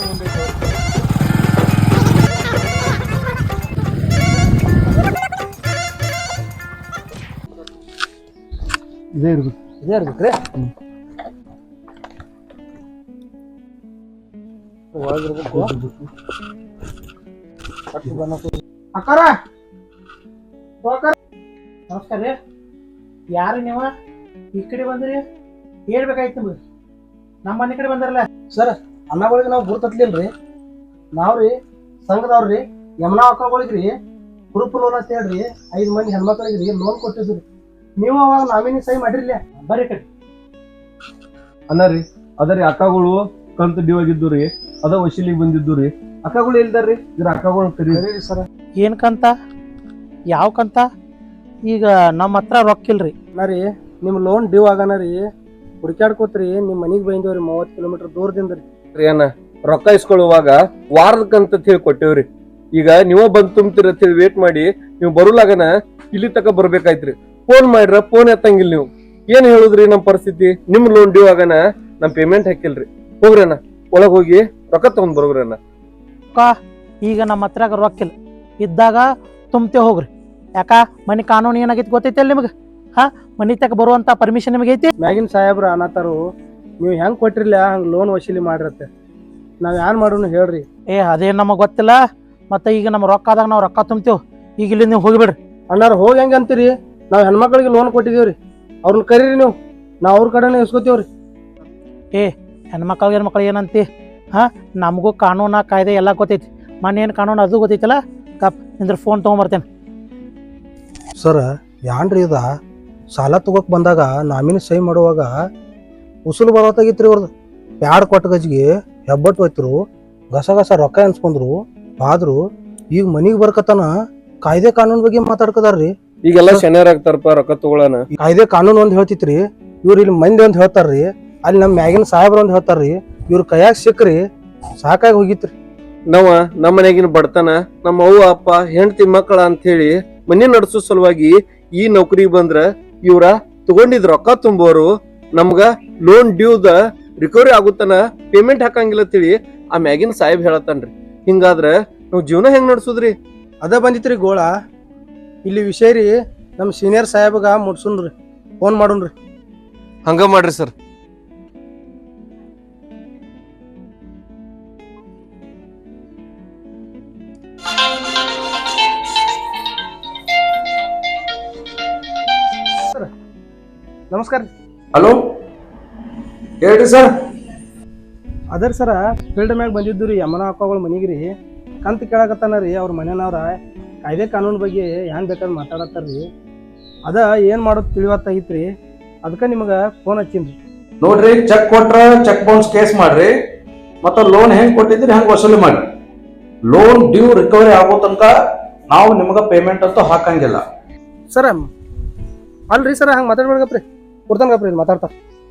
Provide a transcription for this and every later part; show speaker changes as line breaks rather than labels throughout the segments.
ಮುಂದೆ ಇದೇ ಇರ್ಬೇಕ್ರಿ.
ಅಕ್ಕಾರ ನಮಸ್ಕಾರ ರೀ. ಯಾರು ನೀವ ಈ ಕಡೆ ಬಂದ್ರಿ? ಹೇಳ್ಬೇಕಾಯ್ತು ನಿಮ್ಗೆ. ನಮ್ಮ ಮನೆ ಕಡೆ ಬಂದಾರಲ್ಲ ಸರ್. ಅನ್ನಗಳಿಗೆ ನಾವು ಗುರ್ತತ್ಲಿಲ್ರಿ. ನಾವ್ರಿ ಸಂಘದವ್ರಿ ಯಮುನಾ ಅಕ್ಕಗಳಿಗ್ರಿ ಗ್ರೂಪ್ ಲೋನ್ ಅಂತ ಹೇಳ್ರಿ 5 ಮಂದಿ ಹೆಣ್ಮಕ್ಳಿಗ್ರಿ ಲೋನ್ ಕೊಟ್ಟಿದ್ರಿ. ನೀವು ಅವಾಗ ನಾಮಿನಿ ಸಹಿ ಮಾಡಿರ್ಲಿ. ಬರ್ರಿ ಕಡೆ
ಅನ್ನರಿ ಅದರಿ ಅಕ್ಕಗಳು ಕಂತು ಡ್ಯೂ ಆಗಿದ್ದು ರೀ, ಅದ ವಶೀಲಿಗೆ ಬಂದಿದ್ದು ರೀ. ಅಕ್ಕಗಳು ಇಲ್ದಾರ್ರಿ, ಇದ್ರ ಅಕ್ಕಗಳು ಕರೀರಿ
ಸರ್. ಏನ್ ಕಂತ? ಯಾವ ಕಂತ? ಈಗ ನಮ್ಮ ಹತ್ರ ರೊಕ್ಕಿಲ್ರಿ. ರೀ ನಿಮ್ ಲೋನ್ ಡ್ಯೂ ಆಗನ ರೀ, ಹುಡುಕ್ಯಾಡ್ಕೋತ್ರಿ ನಿಮ್ ಮನಿಗ್ ಬಂದೇವ್ರಿ 30 ಕಿಲೋಮೀಟರ್ ದೂರದಿಂದ ರೀ.
ಏನ ರೊಕ್ಕ ಇಸ್ಕೊಳ್ಳುವಾಗ ವಾರದ ಕಂತ ಹೇಳಿ ಕೊಟ್ಟೇವ್ರಿ. ಈಗ ನೀವ ಬಂದ್ ತುಂಬ್ತಿರ ಹೇಳಿ ವೇಟ್ ಮಾಡಿ ನೀವು ಬರುಲಾಗನ ಇಲ್ಲಿ ತಕ ಬರ್ಬೇಕಾಯ್ತ್ರಿ. ಫೋನ್ ಮಾಡ್ರ ಫೋನ್ ಎತ್ತಂಗಿಲ್ಲ. ನೀವು ಏನ್ ಹೇಳುದ್ರಿ? ನಮ್ ಪರಿಸ್ಥಿತಿ ನಿಮ್ ಲೋನ್ ಡ್ಯೂ ಆಗನ ನಮ್ ಪೇಮೆಂಟ್ ಹಾಕಿಲ್ರಿ. ಹೋಗ್ರಣ್ಣ, ಒಳಗ್ ಹೋಗಿ ರೊಕ್ಕ ತಗೊಂಡ್ ಬರೋಗ್ರಣ್ಣ.
ಈಗ ನಮ್ಮ ಹತ್ರ ರೊಕ್ಕಿಲ್ಲ ಇದ್ದಾಗ ತುಂಬ್ತೇ ಹೋಗ್ರಿ. ಯಾಕ ಮನಿ ಕಾನೂನು ಏನಾಗೈತಿ ಗೊತ್ತೈತಿ ನಿಮ್ಗೆ? ಮನಿ ತಕ ಬರುವಂತ ಪರ್ಮಿಷನ್ ನಿಮಗೆ ಐತಿ? ಮ್ಯಾಗಿನ ಸಾಹೇಬ್ರ ಅನ್ನತಾರು ನೀವು ಹೆಂಗ್ ಕೊಟ್ಟಿರ್ಲ ಹಂಗ ಲೋನ್ ವಸೂಲಿ ಮಾಡಿರತ್ತೆ. ನಾವ್ ಏನ್ ಮಾಡೋಣ ಹೇಳ್ರಿ. ಅದೇನ್ ನಮಗ್ ಗೊತ್ತಿಲ್ಲ. ಮತ್ತೆ ಈಗ ನಮ್ಮ ರೊಕ್ಕ ಆದಾಗ ನಾವು ರೊಕ್ಕ ತುಂಬ್ತೇವ್. ಈಗ ಇಲ್ಲಿ ನೀವು ಹೋಗಿಬಿಡ್ರಿ. ಅಣ್ಣಾರ ಹೋಗಿ ಹೆಂಗ ಅಂತೀರಿ? ನಾವ್ ಹೆಣ್ಮಕ್ಳಿಗೆ ಲೋನ್ ಕೊಟ್ಟಿದೀವ್ರಿ, ಅವ್ರನ್ನ ಕರೀರಿ ನೀವು, ನಾವ್ ಅವ್ರ ಕಡೆನೇ ಇಸ್ಕೊತೀವ್ರಿ. ಹೆಣ್ಮಕ್ಳಿಗೆ ಏನಂತಿ? ನಮಗೂ ಕಾನೂನ ಕಾಯ್ದೆ ಎಲ್ಲ ಗೊತ್ತೈತಿ. ಮೊನ್ನೇನು ಕಾನೂನು ಅದು ಗೊತ್ತೈತಲ್ಲ. ಕಪ್ ನಿಂದ್ರ ಫೋನ್ ತೊಗೊಂಬರ್ತೇನೆ. ಸರ್ ಯಾನ್ರಿ ಇದ ಸಾಲ ತಗೋಕ್ ಬಂದಾಗ ನಾಮಿನಿ ಸಹಿ ಮಾಡುವಾಗ ಉಸುಲು ಬರೋತ್ತಾಗಿತ್ರಿ ಅವ್ರದ್ದು. ಪ್ಯಾಡ್ ಕೊಟ್ಟ ಗಜ್ಗೆ ಹೆಬ್ಬಟ್ಟು ಹೋಯ್ತರು, ಗಸ ರೊಕ್ಕ ಎನ್ಸ್ಕೊಂಡ್ರು ಆದ್ರು. ಈಗ ಮನಿಗ್ ಬರ್ಕತನ ಕಾಯ್ದೆ ಕಾನೂನ್ ಬಗ್ಗೆ ಮಾತಾಡ್ಕದಾರ್ರಿ.
ಈಗೆಲ್ಲ ಶನಿಯರ್ ಆಗ್ತಾರಪ್ಪ ರೊಕ್ಕ ತಗೊಳನ.
ಕಾಯ್ದೆ ಕಾನೂನು ಒಂದ್ ಹೇಳ್ತಿತ್ರಿ, ಇವ್ರು ಇಲ್ಲಿ ಮಂದಿ ಒಂದ್ ಹೇಳ್ತಾರ್ರಿ, ಅಲ್ಲಿ ನಮ್ ಮ್ಯಾಗಿನ ಸಾಹೇಬ್ರ ಒಂದ್ ಹೇಳ್ತಾರ್ರಿ. ಇವ್ರ ಕೈಯಾಗ ಸಿಕ್ಕ್ರಿ ಸಾಕಾಗಿ ಹೋಗಿತ್ರಿ.
ನಮ್ಮ ಮನೆಗಿನ ಬಡತನ, ನಮ್ಮ ಅವ್ವ ಅಪ್ಪ ಹೆಂಡತಿ ಮಕ್ಕಳ ಅಂತ ಹೇಳಿ ಮನೆ ನಡ್ಸೋ ಸಲುವಾಗಿ ಈ ನೌಕರಿಗೆ ಬಂದ್ರ ಇವ್ರ ತಗೊಂಡಿದ್ ರೊಕ್ಕ ತುಂಬೋರು ನಮ್ಗ ಲೋನ್ ಡ್ಯೂದ ರಿಕವರಿ ಆಗುತ್ತನ ಪೇಮೆಂಟ್ ಹಾಕಂಗಿಲ್ಲ ತಿಳಿ ಆ ಮ್ಯಾಗಿನ ಸಾಹೇಬ್ ಹೇಳತ್ತನ್ರಿ. ಹಿಂಗಾದ್ರ ನಾವ್ ಜೀವನ ಹೆಂಗ್ ನಡ್ಸುದ್ರಿ?
ಅದ ಬಂದಿತ್ರಿ ಗೋಳ. ಇಲ್ಲಿ ವಿಷಯ ರೀ ನಮ್ ಸೀನಿಯರ್ ಸಾಹೇಬ್ಗ ಮುಟ್ಸುನ್ರಿ, ಫೋನ್ ಮಾಡುನ್ರಿ.
ಹಂಗ ಮಾಡ್ರಿ ಸರ್.
ನಮಸ್ಕಾರ.
ಹಲೋ ಹೇಳ್ರಿ ಸರ್.
ಅದರ್ ಸರ ಫೀಲ್ಡ್ ಮ್ಯಾಗ ಬಂದಿದ್ದು ರೀ ಯಮನ ಅಕ್ಕಗಳ ಮನಿಗ್ರಿ. ಕಂತ ಕೇಳಕತ್ತಾನ ರೀ ಅವ್ರ ಮನೆಯವ್ರ. ಕಾಯ್ದೆ ಕಾನೂನು ಬಗ್ಗೆ ಏನ್ ಬೇಕಾದ್ರೆ ಮಾತಾಡತ್ತಾರ್ರಿ. ಅದ ಏನ್ ಮಾಡೋದು ತಿಳಿವತ್ತಾಗಿತ್ರಿ, ಅದಕ್ಕೆ ನಿಮ್ಗೆ ಫೋನ್ ಹಚ್ಚಿನ್ರಿ.
ನೋಡ್ರಿ, ಚೆಕ್ ಕೊಟ್ರ ಚೆಕ್ ಬೌನ್ಸ್ ಕೇಸ್ ಮಾಡ್ರಿ, ಮತ್ತ ಲೋನ್ ಹೆಂಗ್ ಕೊಟ್ಟಿದ್ರಿ ಹೆಂಗ್ ವಸೂಲಿ ಮಾಡ್ರಿ. ಲೋನ್ ಡ್ಯೂ ರಿಕವರಿ ಆಗೋ ತನಕ ನಾವು ನಿಮ್ಗ ಪೇಮೆಂಟ್ ಅಂತೂ ಹಾಕಂಗಿಲ್ಲ.
ಸರ ಅಲ್ರಿ ಸರ ಹಂಗ ಮಾತಾಡ್ಬೇಡ್ಗಪ್ರಿ, ಕೊಡ್ತಾನಗಪ್ರಿ ಮಾತಾಡ್ತಾರ.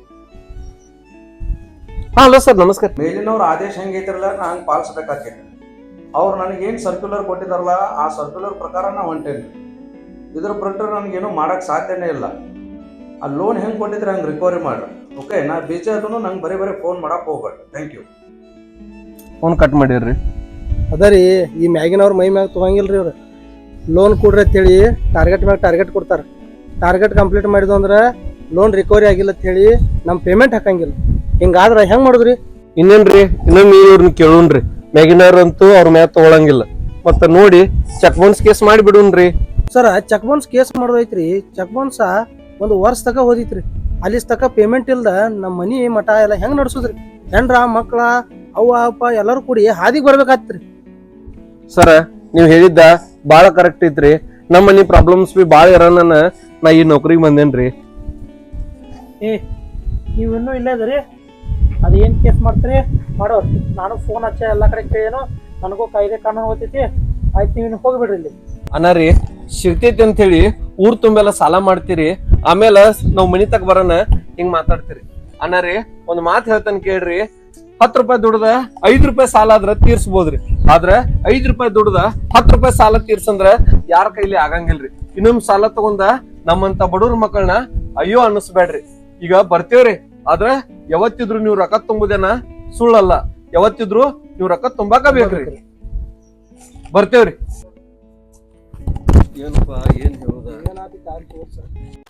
ಹಲೋ ಸರ್, ನಮಸ್ಕಾರ.
ಮೇಲಿನವ್ರ ಆದೇಶ ಹೆಂಗೈತಿರಲ್ಲ ನಾ ಹಂಗೆ ಪಾಲಿಸ್ಬೇಕಾಗ್ತೈತಿ. ಅವ್ರು ನನಗೇನು ಸರ್ಕ್ಯುಲರ್ ಕೊಟ್ಟಿದಾರಲ್ಲ ಆ ಸರ್ಕ್ಯುಲರ್ ಪ್ರಕಾರ ನಾ ಹೊಂಟೇನಿ. ಇದ್ರ ಪ್ರಕಾರ ನನಗೇನು ಮಾಡಕ್ ಸಾಧ್ಯನೇ ಇಲ್ಲ. ಆ ಲೋನ್ ಹೆಂಗ್ ಕೊಟ್ಟಿದ್ರೆ ಹಂಗೆ ರಿಕವರಿ ಮಾಡ್ರಿ. ಓಕೆ, ನಾ ಬೀಚ ಅದನ್ನು ನಂಗೆ ಬರೀ ಫೋನ್ ಮಾಡಕ್ ಹೋಗ್ಬೇಡ್ರಿ. Thank you.
ಫೋನ್ ಕಟ್ ಮಾಡಿರ್ರಿ.
ಅದ ರೀ ಈ ಮ್ಯಾಗಿನವ್ರ ಮೈ ಮ್ಯಾಗ ತೊಗೊಂಗಿಲ್ರಿ ಅವ್ರು. ಲೋನ್ ಕೊಡ್ರಿ ಅಂತೇಳಿ ಟಾರ್ಗೆಟ್ ಮ್ಯಾಗ ಟಾರ್ಗೆಟ್ ಕೊಡ್ತಾರ. ಟಾರ್ಗೆಟ್ ಕಂಪ್ಲೀಟ್ ಮಾಡಿದ್ವು ಅಂದ್ರೆ ಲೋನ್ ರಿಕವರಿ ಆಗಿಲ್ಲ ಅಂತ ಹೇಳಿ ನಮ್ ಪೇಮೆಂಟ್ ಹಾಕಂಗಿಲ್ಲ. ಹಿಂಗಾದ್ರ ಹೆಂಗ್ ಮಾಡುದ್ರಿ?
ಇನ್ನೇನ್ರಿ, ಇನ್ನೊಮ್ಮೆ ಇವ್ರನ್ನ ಕೇಳೋಣ್ರಿ. ಮ್ಯಾಗಿನವ್ರ ಅಂತೂ ಅವ್ರ ಮ್ಯಾಗ ತಗೊಳಂಗಿಲ್ಲ. ಮತ್ತ ನೋಡಿ ಚೆಕ್ ಬೌನ್ಸ್ ಕೇಸ್ ಮಾಡಿ ಬಿಡುನ್ರಿ.
ಸರ್ ಚೆಕ್ ಬೌನ್ಸ್ ಕೇಸ್ ಮಾಡೋದೈತ್ರಿ. ಚೆಕ್ ಬೌನ್ಸ್ 1 ವರ್ಷ ತಕ ಹೋದಿತ್ರಿ. ಅಲ್ಲಿ ತಕ ಪೇಮೆಂಟ್ ಇಲ್ದ ನಮ್ಮ ಮನಿ ಮಠ ಎಲ್ಲ ಹೆಂಗ್ ನಡ್ಸುದ್ರಿ? ಹೆಂಡ್ರ ಮಕ್ಳ ಅವ್ವ ಅಪ್ಪ ಎಲ್ಲರೂ ಕೂಡಿ ಹಾದಿಗೆ ಬರ್ಬೇಕಾತ್ರಿ.
ಸರ ನೀವ್ ಹೇಳಿದ್ದ ಬಾಳ ಕರೆಕ್ಟ್ ಐತ್ರಿ. ನಮ್ಮ ಮನಿ ಪ್ರಾಬ್ಲಮ್ಸ್ ಬಿ ಬಾಳ ಇರೋನ ನಾ ಈ ನೌಕರಿಗೆ ಬಂದೇನ್ರಿ.
ನೀವು ಇನ್ನೂ ಇಲ್ಲೇ ಅದರಿ. ಅದೇನ್ ಕೇಸ್ ಮಾಡ್ತೀರಿ ಮಾಡೋರು. ನಾನು ಫೋನ್ ಹಚ್ಚ ಎಲ್ಲಾ ಕಡೆ ಕೇಳೇನು, ನನಗೂ ಕಾಯ್ದೆ ಕಾನೂನು ಗೊತ್ತೈತಿ. ಆಯ್ತು, ನೀವು ಹೋಗ್ಬಿಡ್ರಿ ಇಲ್ಲಿ.
ಅನ್ನಾರಿ ಸಿಗ್ತೈತಿ ಅಂತ ಹೇಳಿ ಊರ್ ತುಂಬೆಲ್ಲ ಸಾಲ ಮಾಡ್ತೀರಿ, ಆಮೇಲೆ ನಾವ್ ಮನಿ ತಕ ಬರೋಣ ಹಿಂಗ್ ಮಾತಾಡ್ತೀರಿ. ಅನ್ನಾರಿ ಒಂದ್ ಮಾತ್ ಹೇಳ್ತಾನೆ ಕೇಳ್ರಿ. 10 ರೂಪಾಯಿ ದುಡ್ದ 5 ರೂಪಾಯಿ ಸಾಲ ಆದ್ರ ತೀರ್ಸ್ಬೋದ್ರಿ. ಆದ್ರ 5 ರೂಪಾಯಿ ದುಡ್ದ 10 ರೂಪಾಯಿ ಸಾಲ ತೀರ್ಸಂದ್ರ ಯಾರ ಕೈಲಿ ಆಗಂಗಿಲ್ರಿ. ಇನ್ನೊಂದ್ ಸಾಲ ತಗೊಂಡ ನಮ್ಮಂತ ಬಡವ್ರ ಮಕ್ಕಳನ್ನ ಅಯ್ಯೋ ಅನ್ನಿಸ್ಬೇಡ್ರಿ. ಈಗ ಬರ್ತೇವ್ರಿ, ಆದ್ರ ಯಾವತ್ತಿದ್ರು ನೀವು ರೊಕ್ಕ ತುಂಬುದೇನ ಸುಳ್ಳಲ್ಲ. ಯಾವತ್ತಿದ್ರು ನೀವ್ ರೊಕ್ಕ ತುಂಬಾಕ ಬೇಕ್ರಿ. ಬರ್ತೇವ್ರಿ. ಏನಪ್ಪಾ ಏನ್ ಹೇಳುದ?